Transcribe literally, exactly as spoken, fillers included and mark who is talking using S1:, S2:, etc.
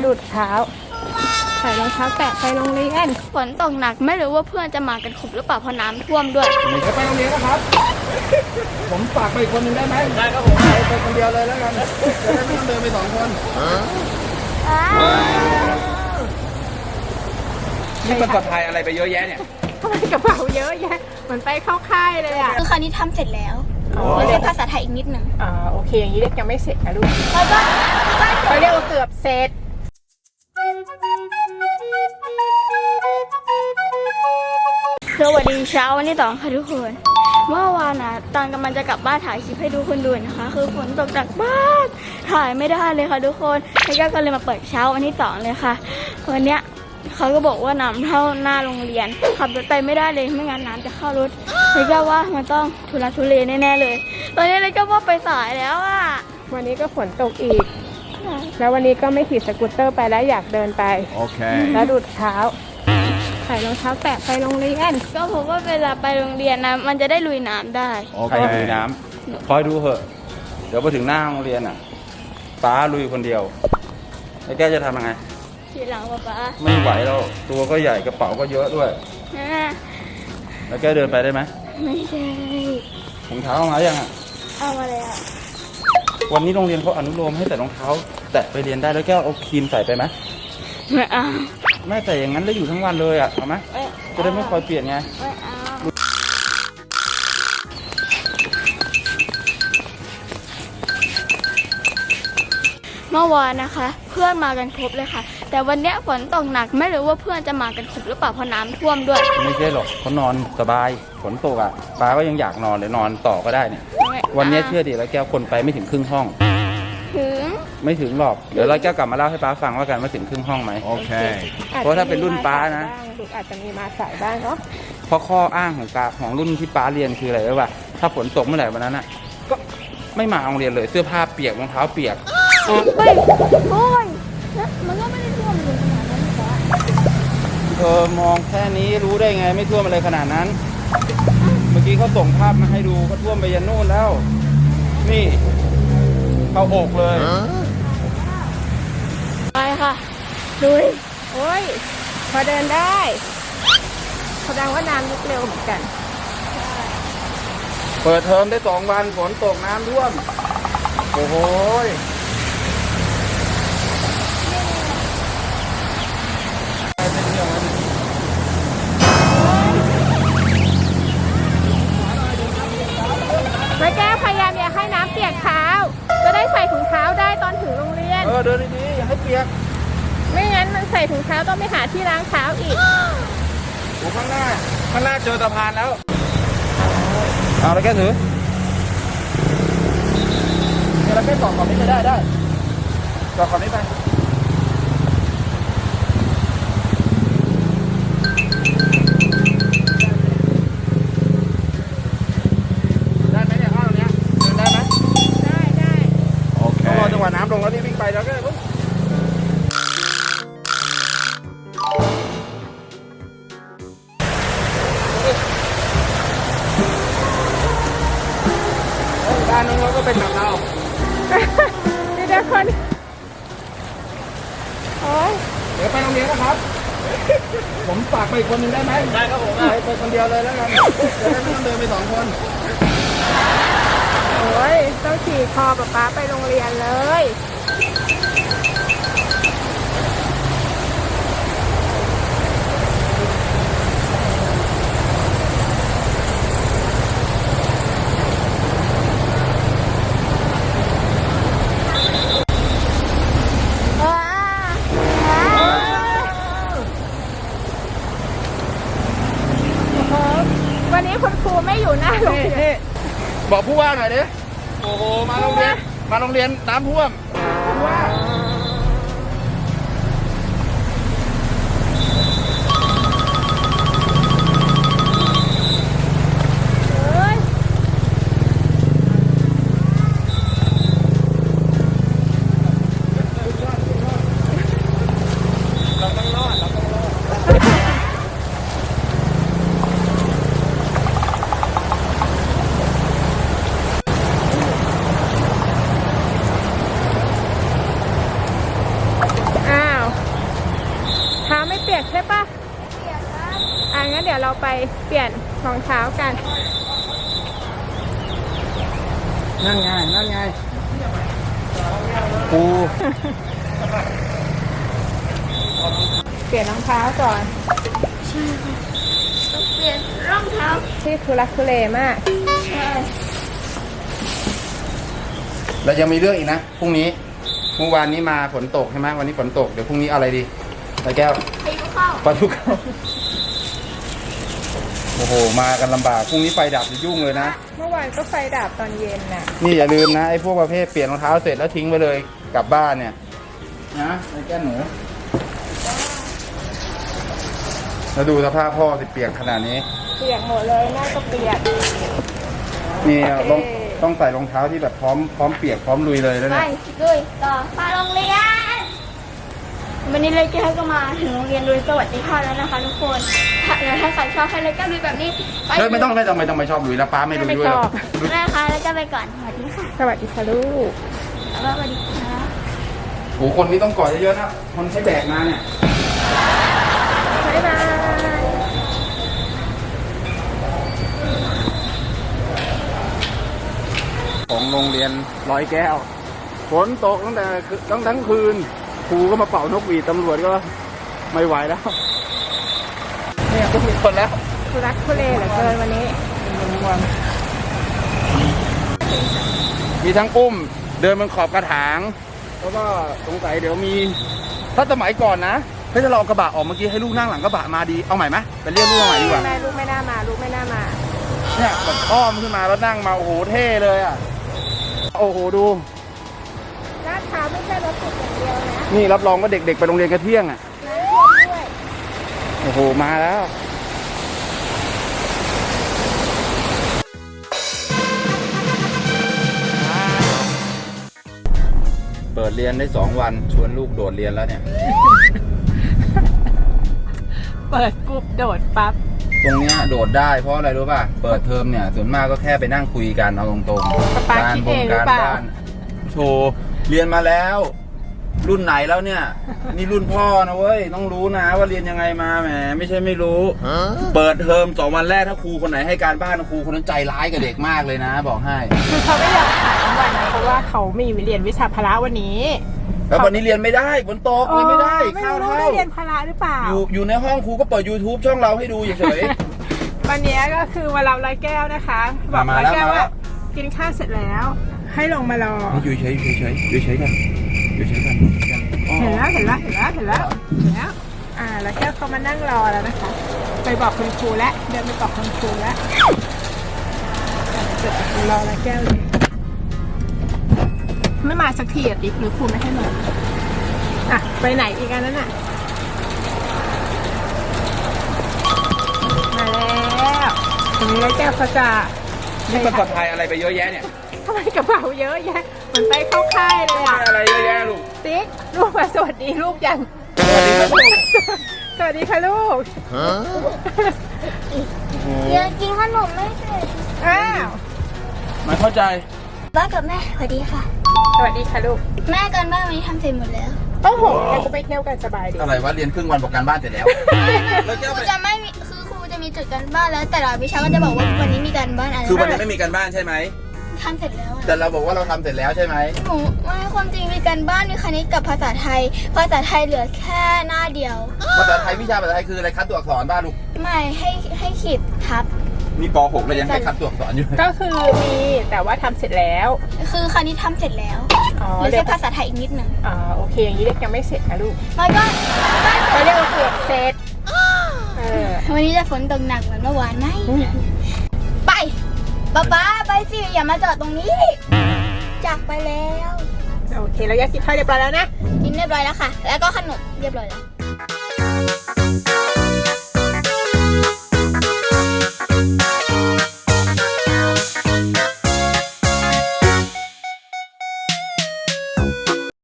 S1: ดูดเท้าใส่รองเท้าแตะไปโรงเรียน
S2: ฝนตกหนักไม่รู้ว่าเพื่อนจะมากันครบหรือเปล่าเพราะน้ำท่วมด้วย
S3: เดี๋ยวไปโรงเรียนนะครับผมฝากไปอีกคนหนึ่งได้ไหมได้ครับผมไปคนเดียวเลยแล้วกันจะได้ไม่ต้องเดินไปสองคนนี่มันสะพายอะไรไปเยอะแยะเนี่ย
S1: ทำไมกระเป๋าเยอะแยะเหมือนไปเข้าค่ายเลยอ่ะ
S2: คือคราวนี้ทำเสร็จแล้วเรียนภาษาไทยอีกนิดหนึ่ง
S1: อ่าโอเคอย่างนี้เรียกยังไม่เสร็จนะลูก
S2: แล้วก็
S1: เขาเรียกว่าเกือบเสร็จ
S2: สวัสดีเช้าวันที่สองค่ะทุกคนเมื่อวานนะตอนกำลังจะกลับบ้านถ่ายคลิปให้ดูคนดูนะคะคือฝนตกหนักมากถ่ายไม่ได้เลยค่ะทุกคนแล้วก็เลยมาเปิดเช้าวันที่สองเลยค่ะวันเนี้ยเขาก็บอกว่าน้ำเท่าหน้าโรงเรียนขับรถไปไม่ได้เลยไม่งั้นน้ำจะเข้ารถเลยก็ว่ามันต้องทุลักทุเลแน่ๆเลยตอนนี้เลยก็ว่าไปสายแล้วอ่ะ
S1: วันนี้ก็ฝนตกอีกแล้ววันนี้ก็ไม่ขี่สกูตเตอร์ไปแล้วอยากเดินไป
S3: โอเค
S1: แล้วดูดเท้าใส่รองเท้าแตะไปโรงเรียน
S2: ก็เพราะว่าเวลาไปโรงเรียนนะมันจะได้ลุยน้ำได้
S3: โอเคลุยน้ำคอยดูเถอะเดี๋ยวพอถึงหน้าโรงเรียนอ่ะป้าลุยคนเดียวไอ้แกจะทำยังไง
S2: ทีหลังป้าป้า
S3: ไม่ไหวแล้วตัวก็ใหญ่กระเป๋าก็เยอะด้วยแล้วแกเดินไปได้ไหม
S2: ไม่ได้
S3: รองเท้าเอามายังอ่ะ
S2: เอามาแล้ว
S3: วันนี้โรงเรียนเขาอนุโลมให้ใส่รองเท้าแตะไปเรียนได้แล้วแกเอาครีมใส่ไปไหม
S2: ไม่เอา
S3: ไม่แต่อย่างนั้นแล้วอยู่ทั้งวันเลยอ่ะเอาไหมจะได้ไม่คอยเปลี่ยนไง
S2: ไม่เอาเมื่อวานนะคะเพื่อนมากันครบเลยค่ะแต่วันนี้ฝนตกหนักไม่รู้ว่าเพื่อนจะมากันครบหรือเปล่าเพราะน้ำท่วมด้วย
S3: ไม่ใช่หรอกเขานอนสบายฝนตกอ่ะป้าก็ยังอยากนอนเลยนอนต่อก็ได้เนี่ยวันนี้เชื่อดิแล้วแก้วคนไปไม่ถึงครึ่งห้อง
S2: ถึง
S3: ไม่ถึงหรอกเดี๋ยวเราแก้วกลับมาเล่าให้ป้าฟังว่ากันว่าถึงครึ่งห้องไหมโอเคเพราะถ้าเป็นรุ่นป้านะ
S1: ลูกอาจจะมีมาสายบ้างเนาะ
S3: เพราะข้ออ้างของกาของรุ่นที่ป้าเรียนคืออะไรรู้ป่ะถ้าฝนตกเมื่อไหร่วันนั้นอ่ะก็ไม่มาโรงเรียนเลยเสื้อผ้าเปียกรองเท้าเปียก
S2: โอ้ยโอ้ยมันก็ไม่ได้ท่วมเลยขนาดนั้นหรอ
S3: เธอมองแค่นี้รู้ได้ไงไม่ท่วมอะไรขนาดนั้นเมื่อกี้เขาส่งภาพมาให้ดูเขาท่วมไปยันนู่นแล้วนี่เข้าอกเลย
S2: ไปค่ะดูดิ
S1: โอ้ยพอเดินได้แสดงว่าน้ำลุกเร็วเหมือนกัน
S3: เปิดเทอมได้สองวันฝนตกน้ำท่วมโอ้โห
S1: ไม่แก้พยายามอย่าให้น้ำเปียกเท้าจะได้ใส่ถุงเท้าได้ตอนถึงโรงเรียน
S3: เออเดินดีๆอย่าให้เปียก
S1: ไม่งั้นมันใส่ถุงเท้าต้องไปหาที่ล้างเท้าอีก
S3: โอ้ข้างหน้าข้างหน้าเจอสะพานแล้วเอาแล้วแกถือเดี๋ยวเราแค่ต่อขอบนี้ไปได้ได้ต่อขอบนี้ไปได้ไหมเนี่ยข้าวเนี้ยเดินได้ไหม
S1: ได้ได้
S3: โอเครอจังหวะน้ำลงแล้วนี่วิ่งไปแล้วก็ปุ๊บด้านนู้นเขาก็เป็นแบบเรา
S1: นี่เด็กคนโอ้ย
S3: เดี๋ยวไปโรงเรียนนะครับผมฝากไปอีกคนหนึ่งได้ไหมได้ครับผมไปไปคนเดียวเลยแล้วกันจะได้ไม่ต้องเดินไปสองคน
S1: โอ้ยต้องขี่คอป๊าป๊าไปโรงเรียนเลยวันนี้คุณครูไม่อยู่หน้าโรงเรียน
S3: บอกผู้ว่าหน่อยดิโอ้โหมาโรงเรียนมาโรงเรียนน้ำท่วมผู้ว่า
S1: ปียกใช่ปะ
S2: เปียกครับ
S1: อ่ะงั้นเดี๋ยวเราไปเปลี่ยนรองเท้ากัน
S3: นั่นไงนั่นไงปู
S1: เปลี่ยนรองเท้าก่อน
S2: ใช่ค่ะต้องเปลี่ยนรองเท้า
S1: ที่ทุลักทุเลมาก
S2: ใช่
S3: แล้วยังมีเรื่องอีกนะพรุ่งนี้เมื่อวานนี้มาฝนตกใช่ไหมวันนี้ฝนตกเดี๋ยวพรุ่งนี้เอาอะไรดีตาแก้ว
S2: พายุเข้า
S3: ปลาทุกเข้าโอ้โหมากันลำบากพรุ่งนี้ไฟดับจะยุ่งเลยนะ
S1: เมื่อวานก็ไฟดับตอนเย็นน่ะ
S3: นี่อย่าลืมนะไอ้พวกประเภทเปลี่ยนรองเท้าเสร็จแล้วทิ้งไปเลยกลับบ้านเนี่ยนะไอ้แก้วหนูแล้วดูสภาพพ่อสิเปียกขนาดนี้
S1: เปียกหมดเลยหน้าก็เปียก
S3: นี่ต้อง
S1: เอ๊ะ
S3: ต้องใส่รองเท้าที่แบบพร้อมพร้อมเปียกพร้อมลุยเลยแล้ว
S2: ไป
S3: เนี่ย
S2: ลุยต่อไปโรงเรียน วันนี้เลยแก้วก็มาถึงโรงเรียนโดยสวัสดิภาพแล้วนะคะทุกคนถ้าถ้าใครชอบให้เลยแก้วลุยแบบนี้ไป
S3: เฮ้ยไม่ต้องไม่ต้องไม่ต้องไม่ชอบลุยแล้วป้าไม่ลุยด้วยหรอก
S2: แม่คะแล้วแก้วไปก่อนสวัสดีค่ะ
S1: สวัสดีค่ะลูก
S2: แล้วก็สวัสดีค่ะ
S3: โอ้โหคนนี้ต้องกอดเยอะๆนะคนใช้แบกมาเนี่ย
S1: บ๊ายบาย
S3: ของโรงเรียนร้อยแก้วฝนตกตั้งแต่ตั้งทั้งคืนครูก็มาเป่านกหวีดตำรวจก็ไม่ไหวแล้วเนี่ยก็มีคนแล้ว
S1: ทุลักทุเลเหลือเกินวันนี้
S3: ทั้งวันมีทั้งอุ้มเดินบนขอบกระถางแล้วก็สงสัยเดี๋ยวมีถ้าสมัยก่อนนะเฮ้ยถ้าเราเอากระบะออกเมื่อกี้ให้ลูกนั่งหลังกระบะมาดีเอาใหม่ไหมไปเรียกลูกมาใหม่ดีกว่า
S1: แม่ลูกไม่น่ามาลูกไม่น่ามา
S3: เนี่ยแบบอ้อมขึ้นมาแล้วนั่งมาโอ้โหเท่เลยอ่ะโอ้โหดู
S1: ลาดพร้าวไม่ใช่รถติดอย่างเดียวนะ
S3: นี่รับรองว่าเด็กๆไปโรงเรียนกระเที่ยงอ่ะ
S1: น้ำท่วมด้วย
S3: โอ้โหมาแล้วเปิดเรียนได้สองวันชวนลูกโดดเรียนแล้วเนี่ย
S1: เปิดปุ๊บโดดปั๊บ
S3: ตรงเนี้ยโดดได้เพราะอะไรรู้ป่ะ เปิดเทอมเนี่ยส่วนมากก็แค่ไปนั่งคุยกันเอาตรงๆ
S1: ป๊าคิดเองหรือเปล่า
S3: โชว์เรียนมาแล้ว รุ่นไหนแล้วเนี่ย นี่รุ่นพ่อนะเว้ยต้องรู้นะว่าเรียนยังไงมาแหมไม่ใช่ไม่รู้ เปิดเทอมสองวันแรกถ้าครูคนไหนให้การบ้านครูคนนั้นใจร้ายกับเด็กมากเลยนะ บอกให้
S1: คือเขาไม่อยากขายทั้งวันนะเพราะว่าเขามีเรียนวิชาพละวันนี้
S3: แล้ววันนี้เรียนไม่ได้ฝนตกเรียนไม่ได้
S1: ไม่
S3: ข้าว
S1: รู้
S3: เท่า
S1: ได้เรียนพละหรือเปล่า
S3: อยู่อยู่ในห้องครูก็เปิด YouTube ช่องเราให้ดูเฉย
S1: วันนี้ก็คือมารับร้อยแก้วนะคะบอก
S3: มา
S1: ร้อย
S3: แล้ว
S1: แก้ว
S3: มาแล้
S1: ว่าว กินข้าวเสร็จแล้ว ให้ลงมารอ
S3: ๆอยู่เฉยอยู่เฉยอยู่เฉยกันอยู่เฉยกันอ๋อ
S1: เห็นแล้วเห็นแล้วเห็นแล้วเห็นแล้วเห็นแล้วอ่าแล้วแก้วเขามานั่งรอแล้วนะคะ ไปบอกคุณครูแล้วเดินไปบอกคุณครูแล้วอ่ะเดี๋ยวจะรอแล้วแก้วเลยไม่มาสักทีอ่ะติ๊กหรือครูไม่ให้มาอ่ะไปไหนอีกอันนั้นอ่ะมาแล้วตรงนี้แล้วแก้วเขาจะ
S3: นี่มันสะพายอะไรไปเยอะแยะเนี่ย
S1: ทำไมกระเป๋าเยอะแยะเหมือนไปเข้าค่ายเลยอ่ะ
S3: อะไรเยอะแยะลูก
S1: ติ๊กลูกมาสวัสดีลูกยัง
S3: สวัสดีครับลูก
S1: สวัสดีค่ะลูก
S2: เดี๋ยวกินขนมไม่เสร็จ
S1: อ้าว
S3: ไม่เข้าใจ
S2: บ้านกับแม่สวัสดีค่ะ
S1: สวัสดีค่ะลูก
S2: แม่กันบ้านวันนี้ทำเสร็จหมดแล้ว
S1: โอ้โหเราก็ไปเที่ยวกันสบายดี
S3: อะไรวะเรียนครึ่งวันบอกการบ้านเสร็จแล้ว แล้ว
S2: ค
S3: แก้ว
S2: รู
S3: ไป
S2: จะไม่มีคือครูจะมีจุดการบ้านแล้วแต่ละวิชาก็จะบอกว่าวันนี้มีการบ้านอะไร
S3: คือวันนี้ไม่มีการบ้านใช่ไหม
S2: ทำเสร็จแล้วอะ
S3: แต่เราบอกว่าเราทำเสร็จแล้วใช่ไหม
S2: หนูไม่ความจริงมีการบ้านมีคณิตกับภาษาไทย ภาษาไทยเหลือแค่หน้าเดียว
S3: ภาษาไทยวิชาภาษาไทยคืออะไรคัดตัวอักษรบ้านลูก
S2: ไม่ให้ให้ขีดทับ
S3: มีป .หก แล้วยังให้คัดตัวอักษรอยู่
S1: ก็คือมีแต่ว่าทำเสร็จแล้ว
S2: คือคณิตทำเสร็จแล้ว
S1: อ๋อ
S2: เหลือ
S1: เด็
S2: แค่
S1: ก
S2: ภาษาไทยอีกนิดหนึ่ง
S1: อ๋อโอเคอย่างนี้เด็กยังไม่เสร็จนะลูก
S2: แล้วก็
S1: เขาเรียกว่าเกือบเสร็จเออ
S2: วันนี้จะฝนตกหนักเหมือนเมื่อวานไหมไปป๊าป๊าไปสิอย่ามาจอดตรงนี้จากไปแล้ว
S1: โอเคแล้วยากินข้าวเรียบร้อยแล้วนะ
S2: กินเรียบร้อยแล้วค่ะ แล้วก็ขนมเรียบร้อยแล้ว